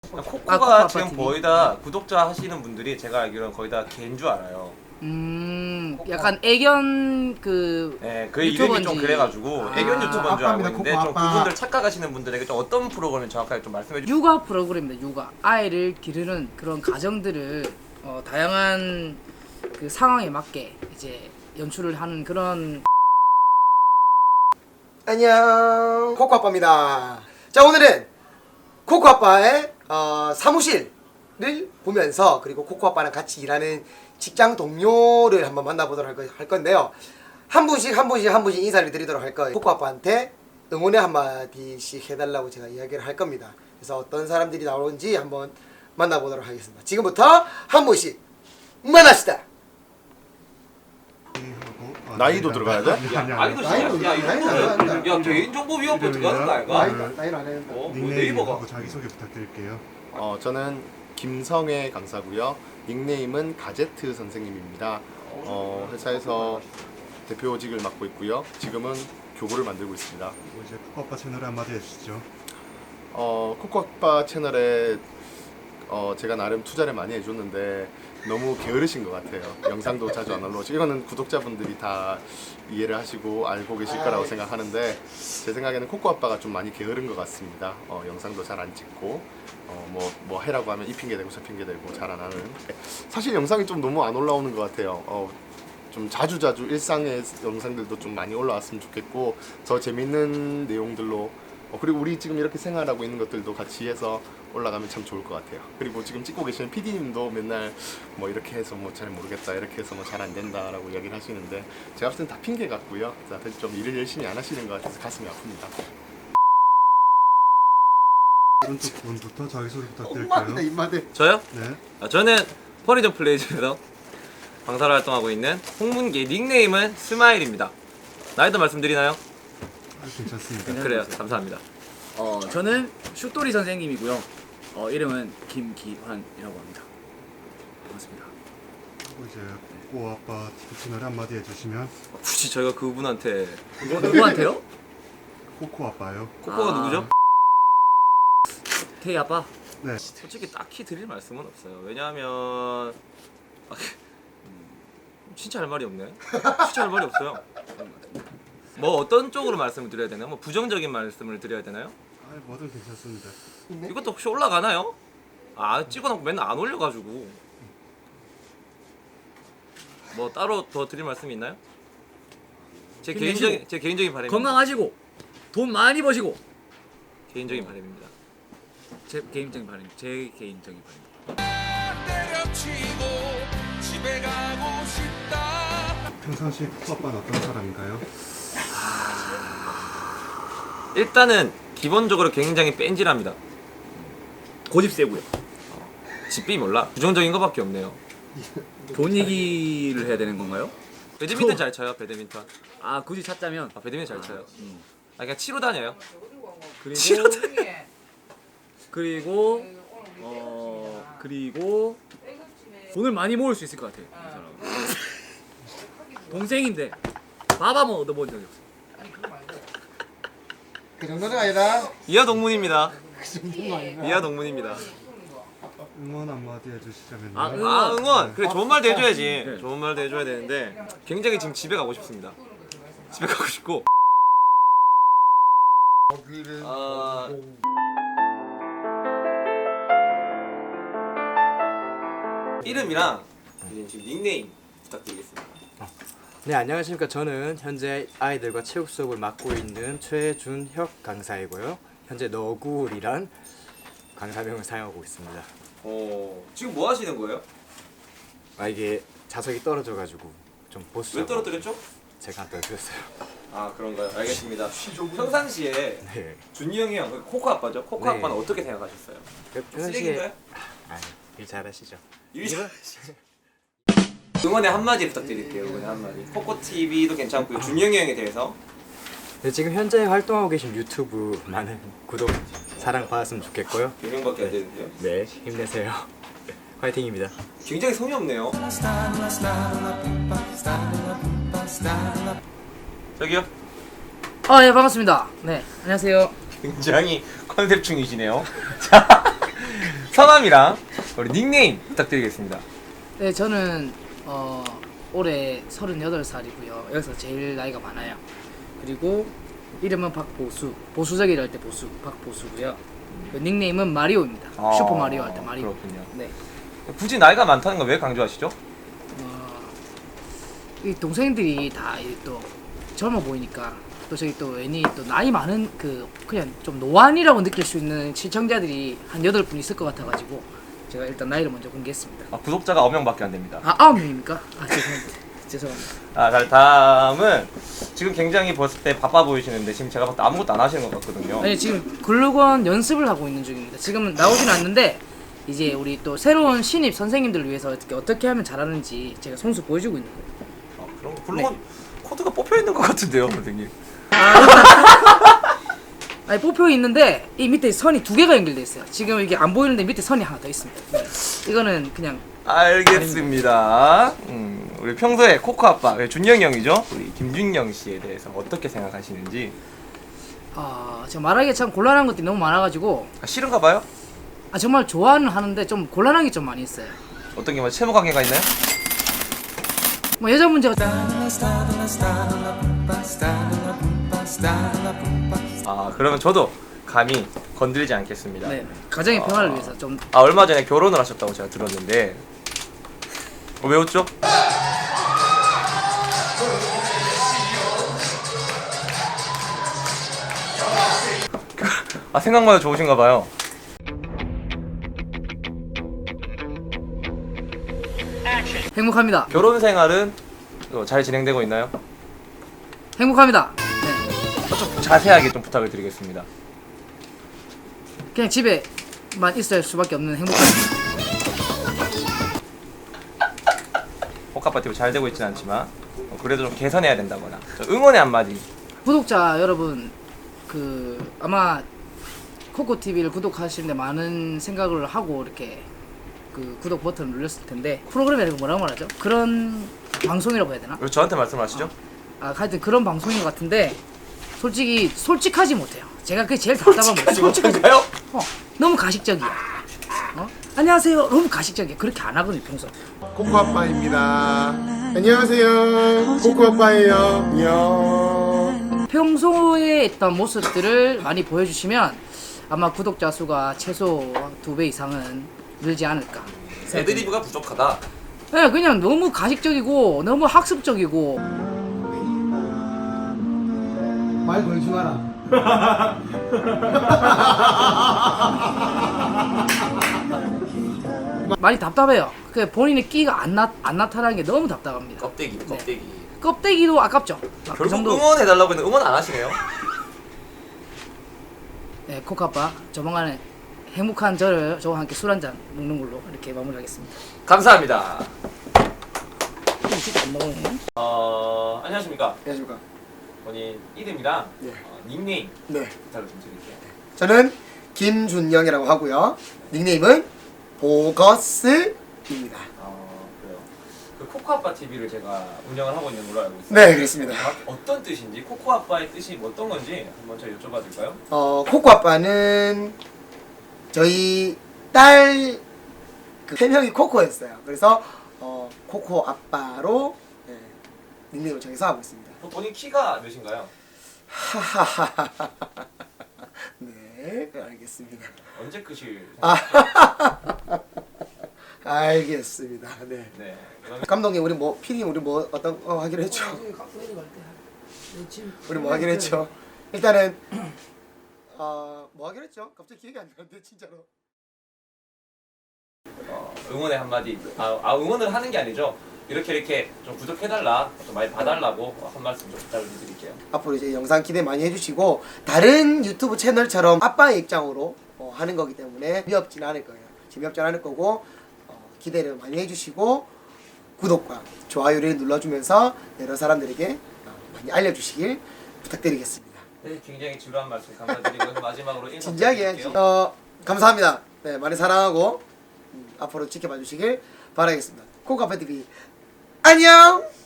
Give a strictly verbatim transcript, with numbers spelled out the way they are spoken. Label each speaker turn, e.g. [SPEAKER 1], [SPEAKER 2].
[SPEAKER 1] 코코가
[SPEAKER 2] 아, 코코아빠
[SPEAKER 1] 지금
[SPEAKER 2] 티비.
[SPEAKER 1] 거의 다 구독자 하시는 분들이 제가 알기로는 거의 다 개인 줄 알아요.
[SPEAKER 2] 음, 약간 애견 그
[SPEAKER 1] 네, 그 이름이 좀
[SPEAKER 2] 유튜버인지.
[SPEAKER 1] 그래가지고
[SPEAKER 2] 아,
[SPEAKER 1] 애견 유튜버인 줄 알고
[SPEAKER 3] 아빠입니다,
[SPEAKER 1] 있는데
[SPEAKER 3] 코코
[SPEAKER 1] 좀
[SPEAKER 3] 아빠.
[SPEAKER 1] 그분들 착각하시는 분들에게 좀 어떤 프로그램을 정확하게 좀 말씀해 주세요.
[SPEAKER 2] 육아 프로그램입니다. 육아 아이를 기르는 그런 가정들을 어, 다양한 그 상황에 맞게 이제 연출을 하는 그런.
[SPEAKER 3] 안녕, 코코아빠입니다. 자, 오늘은 코코아빠의 어, 사무실을 보면서, 그리고 코코아빠랑 같이 일하는 직장 동료를 한번 만나보도록 할, 거, 할 건데요. 한 분씩 한 분씩 한 분씩 인사를 드리도록 할 거예요. 코코아빠한테 응원의 한마디씩 해달라고 제가 이야기를 할 겁니다. 그래서 어떤 사람들이 나오는지 한번 만나보도록 하겠습니다. 지금부터 한 분씩 만납시다.
[SPEAKER 4] 나이도 들어가야 돼?
[SPEAKER 1] 야, 아이도
[SPEAKER 3] 나이도
[SPEAKER 1] 진짜 야
[SPEAKER 3] 나이도
[SPEAKER 1] 이거는
[SPEAKER 3] 나이도
[SPEAKER 1] 야 개인정보위원회 들어가는 거 아이가?
[SPEAKER 3] 나이도 나이도 안 했는데.
[SPEAKER 1] 어? 뭐
[SPEAKER 5] 닉네임하고
[SPEAKER 1] 네이버가
[SPEAKER 5] 자기소개 부탁드릴게요.
[SPEAKER 4] 어, 저는 김성애 강사고요. 닉네임은 가제트 선생님입니다. 어, 회사에서 대표직을 맡고 있고요. 지금은 교구를 만들고 있습니다.
[SPEAKER 5] 뭐 이제 코코아빠 채널에 한마디 해주시죠.
[SPEAKER 4] 어, 코코아빠 채널에 어, 제가 나름 투자를 많이 해줬는데 너무 게으르신 것 같아요. 영상도 자주 안 올라오시고 이거는 구독자분들이 다 이해를 하시고 알고 계실 거라고 생각하는데 제 생각에는 코코아빠가 좀 많이 게으른 것 같습니다. 어, 영상도 잘 안 찍고 어, 뭐, 뭐 해라고 하면 이 핑계 대고 저 핑계 대고 잘 안 하는 사실 영상이 좀 너무 안 올라오는 것 같아요. 어, 좀 자주자주 일상의 영상들도 좀 많이 올라왔으면 좋겠고 더 재밌는 내용들로 어, 그리고 우리 지금 이렇게 생활하고 있는 것들도 같이 해서 올라가면 참 좋을 것 같아요. 그리고 지금 찍고 계시는 피디님도 맨날 뭐 이렇게 해서 뭐 잘 모르겠다 이렇게 해서 뭐 잘 안 된다라고 이야기를 하시는데 제가 봤을 땐 다 핑계 같고요. 다들 좀 일을 열심히 안 하시는 것 같아서 가슴이 아픕니다.
[SPEAKER 5] 오른쪽 분부터 자기소개 부탁드릴게요.
[SPEAKER 3] 입마대 입마대.
[SPEAKER 1] 저요?
[SPEAKER 5] 네.
[SPEAKER 1] 아, 저는 퍼니전 플레이즈에서 강사로 활동하고 있는 홍문기 닉네임은 스마일입니다. 나이도 말씀드리나요?
[SPEAKER 5] 아, 괜찮습니다.
[SPEAKER 1] 그래요. 감사합니다.
[SPEAKER 2] 어, 저는 슛돌이 선생님이고요. 어, 이름은 김기환이라고 합니다. 반갑습니다.
[SPEAKER 5] 그리고 이제 코코아빠 티비 채널에 한마디 해주시면
[SPEAKER 1] 굳이 저희가 그분한테
[SPEAKER 2] 뭐 누구한테요?
[SPEAKER 5] 코코아빠요.
[SPEAKER 1] 코코가
[SPEAKER 2] 아.
[SPEAKER 1] 누구죠?
[SPEAKER 2] 태희 아빠.
[SPEAKER 5] 네.
[SPEAKER 1] 솔직히 딱히 드릴 말씀은 없어요. 왜냐하면 아, 음, 진짜 할 말이 없네. 진짜 할 말이 없어요. 뭐 어떤 쪽으로 말씀을 드려야 되나요? 뭐 부정적인 말씀을 드려야 되나요?
[SPEAKER 5] 아, 뭐든 괜찮습니다.
[SPEAKER 1] 이것도 혹시 올라가나요? 아 찍어놓고 맨날 안 올려가지고 뭐 따로 더 드릴 말씀이 있나요? 제
[SPEAKER 2] 힘내시고.
[SPEAKER 1] 개인적인 제 개인적인 바람입니다.
[SPEAKER 2] 건강하시고 돈 많이 버시고.
[SPEAKER 1] 개인적인 바람입니다.
[SPEAKER 2] 제 개인적인 바람입니다. 제 개인적인 바람입니다.
[SPEAKER 6] 때려치고 집에 가고 싶다.
[SPEAKER 5] 평상시에 코코아빠는 어떤 사람인가요?
[SPEAKER 1] 일단은 기본적으로 굉장히 뺀질합니다.
[SPEAKER 2] 고집 세고요.
[SPEAKER 1] 집비 몰라. 부정적인 거밖에 없네요.
[SPEAKER 2] 돈 얘기를 해야 되는 건가요?
[SPEAKER 1] 배드민턴 잘 쳐요. 배드민턴.
[SPEAKER 2] 아, 굳이 찾자면
[SPEAKER 1] 아 배드민턴 잘 쳐요.
[SPEAKER 2] 음.
[SPEAKER 1] 아 그냥 치러 다녀요.
[SPEAKER 2] 그리고
[SPEAKER 1] 치러 다녀.
[SPEAKER 2] 그리고 어 그리고 돈을 많이 모을 수 있을 것 같아요. 이 사람은. 동생인데 밥 한번 얻어본 적이 없어요.
[SPEAKER 3] 그 정도는 아니다.
[SPEAKER 1] 이하 동문입니다.
[SPEAKER 3] 그 정도는 아니다.
[SPEAKER 1] 이하 동문입니다.
[SPEAKER 5] 응원 한마디 해주시자면요.
[SPEAKER 2] 아, 응.
[SPEAKER 1] 아 응원. 그래 좋은 말도 해줘야지.
[SPEAKER 2] 네.
[SPEAKER 1] 좋은 말도 해줘야 되는데 굉장히 지금 집에 가고 싶습니다. 집에 가고 싶고. 아 이름이랑 이제 지금 닉네임 부탁드리겠습니다.
[SPEAKER 7] 네, 안녕하십니까. 저는 현재 아이들과 체육 수업을 맡고 있는 최준혁 강사이고요. 현재 너굴이란 강사명을 사용하고 있습니다.
[SPEAKER 1] 어 지금 뭐 하시는 거예요?
[SPEAKER 7] 아, 이게 자석이 떨어져가지고 좀 보수.
[SPEAKER 1] 왜 떨어뜨렸죠?
[SPEAKER 7] 제가 안 떨어뜨렸어요.
[SPEAKER 1] 아 그런가요? 알겠습니다. 평상시에
[SPEAKER 7] 네.
[SPEAKER 1] 준이 형이 형, 그 코코 아빠죠? 코코
[SPEAKER 7] 네.
[SPEAKER 1] 아빠는 어떻게 생각하셨어요?
[SPEAKER 7] 그
[SPEAKER 1] 쓰레기인가요?
[SPEAKER 7] 아니, 일 잘하시죠.
[SPEAKER 1] 일 잘- 응원의 한마디 부탁드릴게요. 응원의 한마디. 코코 티비도 괜찮고요. 준이 형이 형에 대해서
[SPEAKER 7] 네, 지금 현재 활동하고 계신 유튜브 많은 구독, 사랑 받았으면 좋겠고요.
[SPEAKER 1] 두 명밖에 안 되는데요.
[SPEAKER 7] 네, 힘내세요. 화이팅입니다.
[SPEAKER 1] 굉장히 성의 없네요. 저기요.
[SPEAKER 2] 아, 예, 반갑습니다. 네, 안녕하세요.
[SPEAKER 1] 굉장히 컨셉충이시네요. 자, 성함이랑 우리 닉네임 부탁드리겠습니다.
[SPEAKER 2] 네, 저는 어, 올해 서른여덟 살이고요. 여기서 제일 나이가 많아요. 그리고 이름은 박보수. 보수적이라 할 때 보수, 박보수고요. 그 닉네임은 마리오입니다.
[SPEAKER 1] 아,
[SPEAKER 2] 슈퍼 마리오 할 때 마리오.
[SPEAKER 1] 그렇군요.
[SPEAKER 2] 네.
[SPEAKER 1] 굳이 나이가 많다는 거 왜 강조하시죠?
[SPEAKER 2] 어, 이 동생들이 다 또 젊어 보이니까 또 저기 또 괜히 또 나이 많은 그 그냥 좀 노안이라고 느낄 수 있는 시청자들이 한 여덟 분 있을 것 같아가지고 제가 일단 나이를 먼저 공개했습니다.
[SPEAKER 1] 아, 구독자가 아홉 명밖에 안 됩니다.
[SPEAKER 2] 아 아홉 명입니까? 아 죄송합니다. 죄송합니다.
[SPEAKER 1] 아, 자, 다음은 지금 굉장히 봤을 때 바빠 보이시는데 지금 제가 봤을 때 아무것도 안 하시는 것 같거든요.
[SPEAKER 2] 아니 지금 글루건 연습을 하고 있는 중입니다. 지금은 나오진 않는데 이제 우리 또 새로운 신입 선생님들을 위해서 어떻게 어떻게 하면 잘하는지 제가 손수 보여주고 있는 거예요.
[SPEAKER 1] 아, 그런 거 물론 코드가 뽑혀 있는 것 같은데요, 선생님.
[SPEAKER 2] 아니 뽑혀 있는데 이 밑에 선이 두 개가 연결돼 있어요. 지금 이게 안 보이는데 밑에 선이 하나 더 있습니다. 네. 이거는 그냥
[SPEAKER 1] 알겠습니다. 음, 우리 평소에 코코 아빠, 준영이 형이죠? 우리 김준영 씨에 대해서 어떻게 생각하시는지.
[SPEAKER 2] 아 제가 말하기가 참 곤란한 것들이 너무 많아가지고
[SPEAKER 1] 아, 싫은가 봐요?
[SPEAKER 2] 아 정말 좋아는 하는데 좀 곤란한 게 좀 많이 있어요.
[SPEAKER 1] 어떤 게 뭐 채무 관계가 있나요?
[SPEAKER 2] 뭐 여자 문제가
[SPEAKER 1] 아, 그러면 저도 감히 건드리지 않겠습니다.
[SPEAKER 2] 네 가정의 평화를 위해서 좀
[SPEAKER 1] 아, 얼마 전에 결혼을 하셨다고 제가 들었는데 어, 왜 웃죠? 아, 생각보다 좋으신가 봐요.
[SPEAKER 2] 행복합니다.
[SPEAKER 1] 결혼 생활은 어, 잘 진행되고 있나요?
[SPEAKER 2] 행복합니다. 네
[SPEAKER 1] 좀 자세하게 좀 부탁을 드리겠습니다.
[SPEAKER 2] 그냥 집에만 있을 수밖에 없는 행복한.
[SPEAKER 1] 호카파티브 잘 되고 있진 않지만 어, 그래도 좀 개선해야 된다거나 저 응원의 한마디.
[SPEAKER 2] 구독자 여러분 그 아마 코코티비를 구독하시는데 많은 생각을 하고 이렇게 그 구독 버튼을 눌렀을 텐데 프로그램이라고 뭐라고 말하죠? 그런 방송이라고 해야 되나?
[SPEAKER 1] 왜 저한테 말씀하시죠?
[SPEAKER 2] 아 하여튼 그런 방송인 것 같은데 솔직히 솔직하지 못해요. 제가 그게 제일 답답한 거예요. 솔직하지
[SPEAKER 1] 못한가요?
[SPEAKER 2] 어, 너무 가식적이야. 어? 안녕하세요. 너무 가식적이야. 그렇게 안 하거든요 평소.
[SPEAKER 4] 코코 아빠입니다. 안녕하세요. 코코 아빠예요. 안녕.
[SPEAKER 2] 평소에 있던 모습들을 많이 보여주시면 아마 구독자 수가 최소 두 배 이상은 늘지 않을까.
[SPEAKER 1] 애드리브가 부족하다.
[SPEAKER 2] 네, 그냥 너무 가식적이고 너무 학습적이고
[SPEAKER 3] 말 걸지 마라.
[SPEAKER 2] 많이 답답해요. 그 본인의 끼가 안, 나, 안 나타나는 게 너무 답답합니다.
[SPEAKER 1] 껍데기, 껍데기.
[SPEAKER 2] 껍데기도 아깝죠. 아, 그
[SPEAKER 1] 결국
[SPEAKER 2] 정도.
[SPEAKER 1] 응원해달라고 했는데 응원 안 하시네요.
[SPEAKER 2] 네, 코카빠 조만간에 행복한 저를 저와 함께 술 한잔 먹는 걸로 이렇게 마무리하겠습니다.
[SPEAKER 1] 감사합니다.
[SPEAKER 2] 이거 진짜 안 먹네.
[SPEAKER 1] 어, 안녕하십니까.
[SPEAKER 3] 안녕하십니까.
[SPEAKER 1] 본인 이름이랑
[SPEAKER 3] 네.
[SPEAKER 1] 어, 닉네임
[SPEAKER 3] 네.
[SPEAKER 1] 부탁을 좀 드릴게요.
[SPEAKER 3] 저는 김준영이라고 하고요. 닉네임은 보거스입니다.
[SPEAKER 1] 어, 그래요. 그 코코아빠 티비를 제가 운영을 하고 있는 걸로 알고 있습니다.
[SPEAKER 3] 네, 그렇습니다.
[SPEAKER 1] 정확히 어떤 뜻인지, 코코아빠의 뜻이 뭐 어떤 건지 한번 저희 여쭤봐도 될까요?
[SPEAKER 3] 어, 코코 아빠는 저희 딸 그 별명이 코코였어요. 그래서 어, 코코 아빠로 네, 닉네임을 정해서 하고 있습니다.
[SPEAKER 1] 그 본인 키가 몇인가요?
[SPEAKER 3] 하하하하. 네, 알겠습니다.
[SPEAKER 1] 언제 크실
[SPEAKER 3] 아.
[SPEAKER 1] 생각이세요?
[SPEAKER 3] 알겠습니다. 네.
[SPEAKER 1] 네. 그러면
[SPEAKER 3] 감독님 우리 뭐 피디 우리 뭐 어떤 거 하기로 했죠? 우리 뭐 하기로 했죠? 일단은 어, 뭐 하기로 했죠? 갑자기 기억이 안 나는데 진짜로.
[SPEAKER 1] 어, 응원의 한마디. 아, 아 응원을 하는 게 아니죠. 이렇게 이렇게 좀 구독해달라, 좀 많이 봐달라고 한 말씀 좀 부탁을 드릴게요.
[SPEAKER 3] 앞으로 이제 영상 기대 많이 해주시고 다른 유튜브 채널처럼 아빠의 입장으로 어, 하는 거기 때문에 재미없진 않을 거예요. 재미없진 않을 거고 어, 기대를 많이 해주시고 구독과 좋아요를 눌러주면서 여러 사람들에게 어, 많이 알려주시길 부탁드리겠습니다.
[SPEAKER 1] 네, 굉장히 지루한 말씀 감사드리고 마지막으로 인사
[SPEAKER 3] 진지하게
[SPEAKER 1] 부탁드릴게요.
[SPEAKER 3] 어, 감사합니다. 네, 많이 사랑하고 음, 앞으로 지켜봐 주시길 바라겠습니다. 코카페티비 안녕.